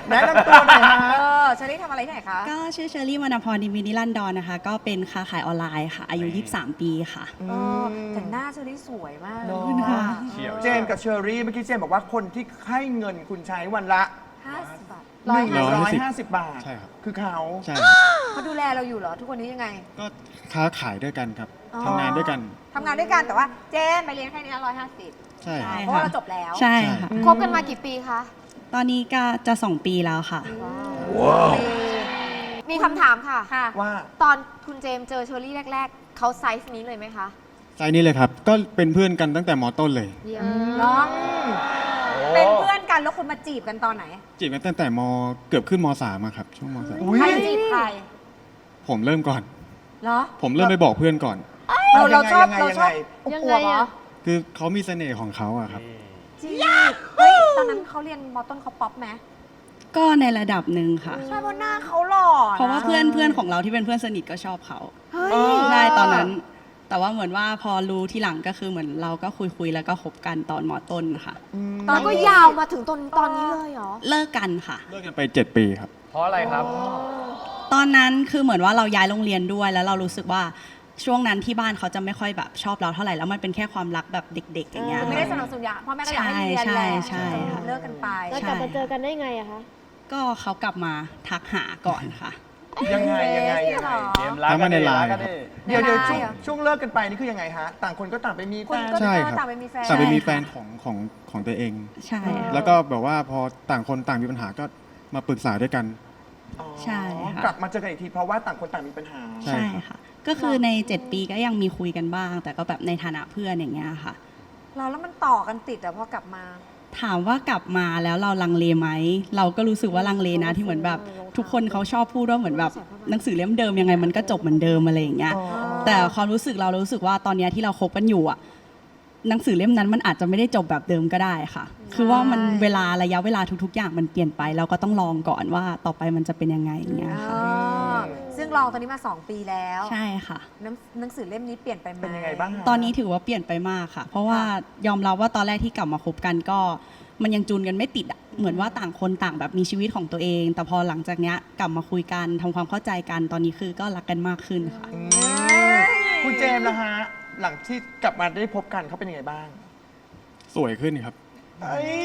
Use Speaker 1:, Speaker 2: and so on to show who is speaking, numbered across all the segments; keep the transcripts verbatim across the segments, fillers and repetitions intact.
Speaker 1: แนะนำตัวหน่อยฮะ
Speaker 2: เออเชอรี่ทำอะไรที่ไหนคะ
Speaker 3: ก็ชื่อเชอรี่วรรณพรดิมินิลันดอนนะคะ ก็เป็นค้าขายออนไลน์ค่ะ อายุ ยี่สิบสาม ปีค่ะ
Speaker 2: เออแต่หน้าเชอรี่สวยมาก
Speaker 1: เนอะ
Speaker 2: ค่ะ
Speaker 1: เจมส์กับเชอรี่เมื่อกี้เจมส์บอกว่าคนที่ให้เงินคุณใช้วันละ
Speaker 2: ห้าสิบบาท
Speaker 1: หนึ่งร้อยห้าสิบบาท
Speaker 4: ใช่ครับ
Speaker 1: คือเขา
Speaker 4: ใช่
Speaker 2: เขาดูแลเราอยู่เหรอทุกวันนี้ยังไง
Speaker 4: ก็ค้าขายด้วยกันครับ
Speaker 2: อ๋อ
Speaker 4: ทำงานด้วยกัน
Speaker 2: ทำงานด้วยกันแต่ว่าเจมไปเรียนแค่นี้ร้อยห้าสิบ
Speaker 4: ใช่
Speaker 3: ใช่
Speaker 2: เพราะว่าเราจบแล้ว
Speaker 3: ใช่ค่ะ
Speaker 2: คบกันมากี่ปีคะ
Speaker 3: ตอนนี้ก็จะสองปีแล้วค่ะ
Speaker 1: ว้าว
Speaker 5: มีคำถามค่ะ
Speaker 2: ค่ะ
Speaker 1: ว่า
Speaker 5: ตอนคุณเจมส์เจอเชอรี่แรก ๆ เขาไซส์นี้เลยไหมคะ
Speaker 4: ไซส์นี้เลยครับ ก็เป็นเพื่อนกันตั้งแต่มอต้นเลย
Speaker 5: เยี่ยม
Speaker 2: เนาะเป็นเพื่อนกันแล้วคุณมาจีบกันตอนไหน
Speaker 4: จีบกันตั้งแต่มเกือบขึ้นมสามอะครับ ช่วงมสาม
Speaker 1: อุ๊ย
Speaker 2: ใครจีบใคร
Speaker 4: ผมเริ่มก่อน
Speaker 2: เหรอ
Speaker 4: ผมเริ่มไปบอกเพื่อนก่อน
Speaker 2: เราเราชอบ
Speaker 1: ยังไง
Speaker 2: เราชอบ
Speaker 5: ยัง
Speaker 2: อ
Speaker 5: ไง
Speaker 2: วบๆเหรอ
Speaker 5: อะ
Speaker 4: คือเขามีเสน่ห์ของเขาอะครับ
Speaker 2: จีบเฮ้ยตอนนั้นเขาเรียนมอต้นเขาป๊อปไหม
Speaker 3: ก็ในระดับหนึ่งค่ะ
Speaker 2: ใช่เพราะหน้าเขาหล่อนะ
Speaker 3: เพราะว่าเพื่อนเพื่อนของเราที่เป็นเพื่อนสนิทก็ชอบเขา
Speaker 2: เฮ้ย
Speaker 1: เออ
Speaker 3: ใช่ตอนนั้น แต่ว่าเหมือนว่าพอรู้ที่หลังก็คือเหมือนเราก็คุยคุยๆแล้วก็คบกันตอนมอต้นค่ะ
Speaker 2: ตอน
Speaker 5: แล้วก็ยาวมาถึงตอนตอนนี้เลยเหรอ
Speaker 3: เลิกกันค่ะ
Speaker 4: เลิกกันไปเจ็ดปีครับ
Speaker 6: เพราะอะไรครับ
Speaker 3: ตอนนั้นคือเหมือนว่าเราย้ายโรงเรียนด้วยแล้วเรารู้สึกว่าช่วงนั้นที่บ้านเขาจะไม่ค่อยแบบชอบเราเท่าไหร่แล้วมันเป็นแค่ความรักแบบเด็ก ๆ อย่างเงี้ย
Speaker 2: คือไม่ได้สนับสนุนอยากพ่อแม่ก็อยากให้เรียน
Speaker 3: ใช่
Speaker 2: แหละ
Speaker 3: ใช่ใช่ค่ะ
Speaker 2: เลิกกันไป
Speaker 5: แล้วกลับมาเจอกันได้ไงอะคะ
Speaker 3: ก็เขากลับมาทักหาก่อนค่ะ
Speaker 1: ยังไงยังไงยังไง
Speaker 6: เกมรัก
Speaker 4: ทำมาในไลน์
Speaker 6: รักกันดิ
Speaker 1: เดี๋ยวเดี๋ยว
Speaker 2: ไม่
Speaker 1: ช่วง
Speaker 2: ได้เหรอ
Speaker 1: ช่วงเลิกกันไปนี่คือยังไงฮะ ต่างคนก็ต่างไปมีแฟ
Speaker 2: คุณ
Speaker 1: น
Speaker 2: ก็
Speaker 4: ใช่
Speaker 2: เออ
Speaker 4: ครับ
Speaker 2: ต่างไปมีแฟน
Speaker 4: แต่ไปมี
Speaker 3: ใช่ค่ะ
Speaker 4: แฟนของของของตัวเอง
Speaker 3: ใช่ค่ะ
Speaker 4: แล้วก็แบบว่าพอต่างคนต่างมีปัญหาก็มาปรึกษาด้วยกัน
Speaker 1: อ๋อ
Speaker 3: ใช่ค่ะ
Speaker 1: กลับมาเจอกันอีกทีเพราะว่าต่างคนต่างมีปัญหา
Speaker 4: ใช่
Speaker 3: ใช่ค่ะ ก็คือใน เจ็ด ปีก็ยังมีคุยกันบ้าง แต่ก็แบบในฐานะเพื่อนอย่างเงี้ยค่ะ
Speaker 2: เราแล้วมันต่อกันติดอะพอกลับมา
Speaker 3: ถามว่ากลับมาแล้วเราลังเลไหม เราก็รู้สึกว่าลังเลนะที่เหมือนแบบทุกคนเขาชอบพูดว่าเหมือนแบบหนังสือเล่มเดิมยังไงมันก็จบเหมือนเดิมอะไรอย่างเงี้ย
Speaker 1: อ๋อ
Speaker 3: แต่ความรู้สึกเรารู้สึกว่าตอนเนี้ยที่เราคบกันอยู่อะหนังสือเล่มนั้นมันอาจจะไม่ได้จบแบบเดิมก็ได้ค่ะ คือว่ามันเวลาระยะเวลาทุก ๆ อย่างมันเปลี่ยนไป เราก็ต้องลองก่อนว่าต่อไปมันจะเป็นยังไงอย่างเงี้ยค่ะ
Speaker 2: ซึ่งลองตอนนี้มาสองปีแล้ว
Speaker 3: ใช่ค่ะ
Speaker 2: หนังหนังสือเล่มนี้เปลี่ยนไปไหม
Speaker 1: เป็นยังไงบ้างฮะ
Speaker 3: ตอนนี้ถือว่าเปลี่ยนไปมากค่ะ เพราะว่ายอมรับว่าตอนแรกที่กลับมาคบกันก็มันยังจูนกันไม่ติดอะเหมือนว่าต่างคนต่างแบบมีชีวิตของตัวเอง แต่พอหลังจากเนี้ยกลับมาคุยกันทำความเข้าใจกันตอนนี้คือก็รักกันมากขึ้นค่ะ
Speaker 1: อืมคุณเจมส์นะฮะ หลังที่กลับมาได้พบกันเขาเป็นยังไงบ้าง
Speaker 4: สวยขึ้นครับ
Speaker 1: เอ้ย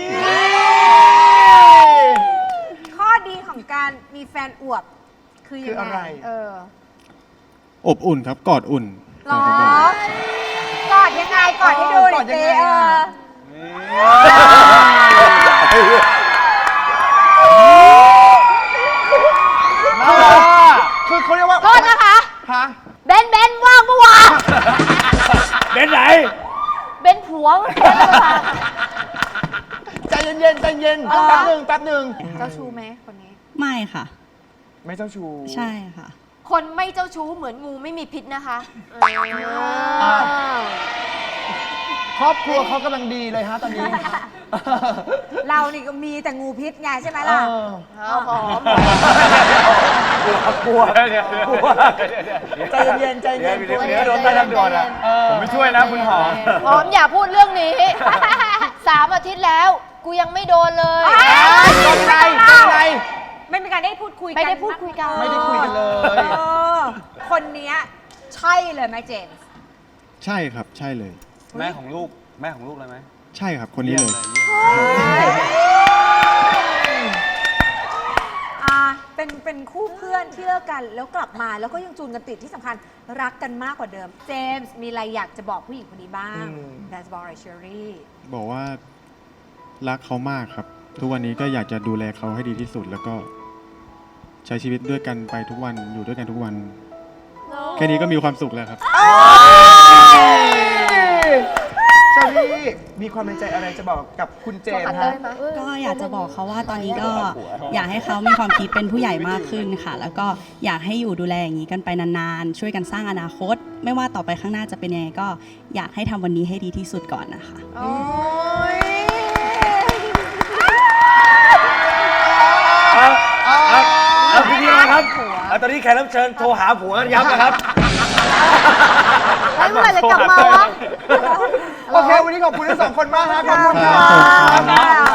Speaker 2: ข้อดีของการมีแฟนอวบ คือยัง
Speaker 1: คืออะไร
Speaker 2: ไงเออ
Speaker 4: อบอุ่นครับ กอดอุ่น
Speaker 2: หรอกอดยังไงกอดให้ดูหน่อยสิเออ
Speaker 1: คือเขาเรียกว่า
Speaker 5: โทษนะคะ
Speaker 1: ฮะ
Speaker 5: เบนเบนว่างปะวะ
Speaker 6: เป็นไหน
Speaker 5: เบนผัวเบนประธาน
Speaker 1: ใจเย็นๆใจเย็น
Speaker 2: เออ
Speaker 1: แป๊บหนึ่งแป๊บหนึ่ง
Speaker 2: เจ้าชู้ไหมคนนี้
Speaker 3: ไม่ค่ะ
Speaker 1: ไม่เจ้าชู้
Speaker 3: ใช่ค่ะ
Speaker 5: คนไม่เจ้าชู้เหมือนงูไม่มีพิษนะคะ
Speaker 1: อ่า ครอบครัวเขากำลังดีเลยฮะตอนนี้
Speaker 2: เรานี่ก็มีแต่งูพิษไงใช่ไหมล่ะ
Speaker 1: เออ
Speaker 5: เอาหอม
Speaker 1: กลัว
Speaker 6: เดี๋ยวเดี๋ยวกลัว
Speaker 1: ใจเย็นๆใจ
Speaker 6: เดี๋
Speaker 1: เย็
Speaker 6: ยวน เดี๋ยวเดี๋ยวโดนใต้ทางด่วนอ่ะ
Speaker 1: เออ
Speaker 6: ผมไม่ช่วยนะคุณหอม
Speaker 5: หอมอย่าพูดเรื่องนี้ สามอาทิตย์แล้ว กูยังไม่โดนเลย
Speaker 1: โดนไงโดนไง
Speaker 2: ไม่มีการได้พูดคุยกัน
Speaker 5: ไม่ได้พูดคุยกัน
Speaker 1: ไม่ได้คุยกันเลย
Speaker 2: ออคนเนี้ยใช่เลยไหมเจมส์
Speaker 4: ใช่ครับ ใช่เลย
Speaker 6: แม่ของลูก แม่ของลูกเลยไหม
Speaker 4: ใช่ครับ คนนี้เลย
Speaker 2: อ่าเป็นเป็นคู่เพื่อนที่เลิกกันแล้วกลับมาแล้วก็ยังจูนกันติดที่สำคัญรักกันมากกว่าเดิม เจมส์มีอะไรอยากจะบอกผู้หญิงคนนี้บ้าง
Speaker 1: อืม
Speaker 2: อยากจะบอกอะไรเชอรี่
Speaker 4: บอกว่ารักเขามากครับ ทุกวันนี้ก็อยากจะดูแลเขาให้ดีที่สุด แล้วก็ใช้ชีวิตด้วยกันไปทุกวันอยู่ด้วยกันทุกวัน แค่นี้ก็มีความสุขแล้วครับ
Speaker 1: เชอรี่มีความในใจอะไรจะบอกกับคุณเจมส์
Speaker 5: เล
Speaker 1: ฮะ
Speaker 5: ยไหม
Speaker 3: ก็อยากจะบอกเขาว่าตอนนี้ก็อยากให้เขามีความคิดเป็นผู้ใหญ่มากขึ้นค่ะ แล้วก็อยากให้อยู่ดูแลอย่างนี้กันไปนานๆ ช่วยกันสร้างอนาคต ไม่ว่าต่อไปข้างหน้าจะเป็นยังไงก็อยากให้ทำวันนี้ให้ดีที่สุดก่อนนะคะ
Speaker 2: โอ้ย
Speaker 6: เอาพี่พี่นะครับเอาตอนนี้แขกรับเชิญโทรหาผัวกันยับนะครับ
Speaker 5: แล้วเมื่อไหร่จะกลับมาวะ
Speaker 1: โอเค วันนี้ขอบคุณทั้งสองคนมากฮะขอบคุณค
Speaker 2: ข
Speaker 1: รั
Speaker 2: อบคุณ
Speaker 1: บ
Speaker 2: ค่ะ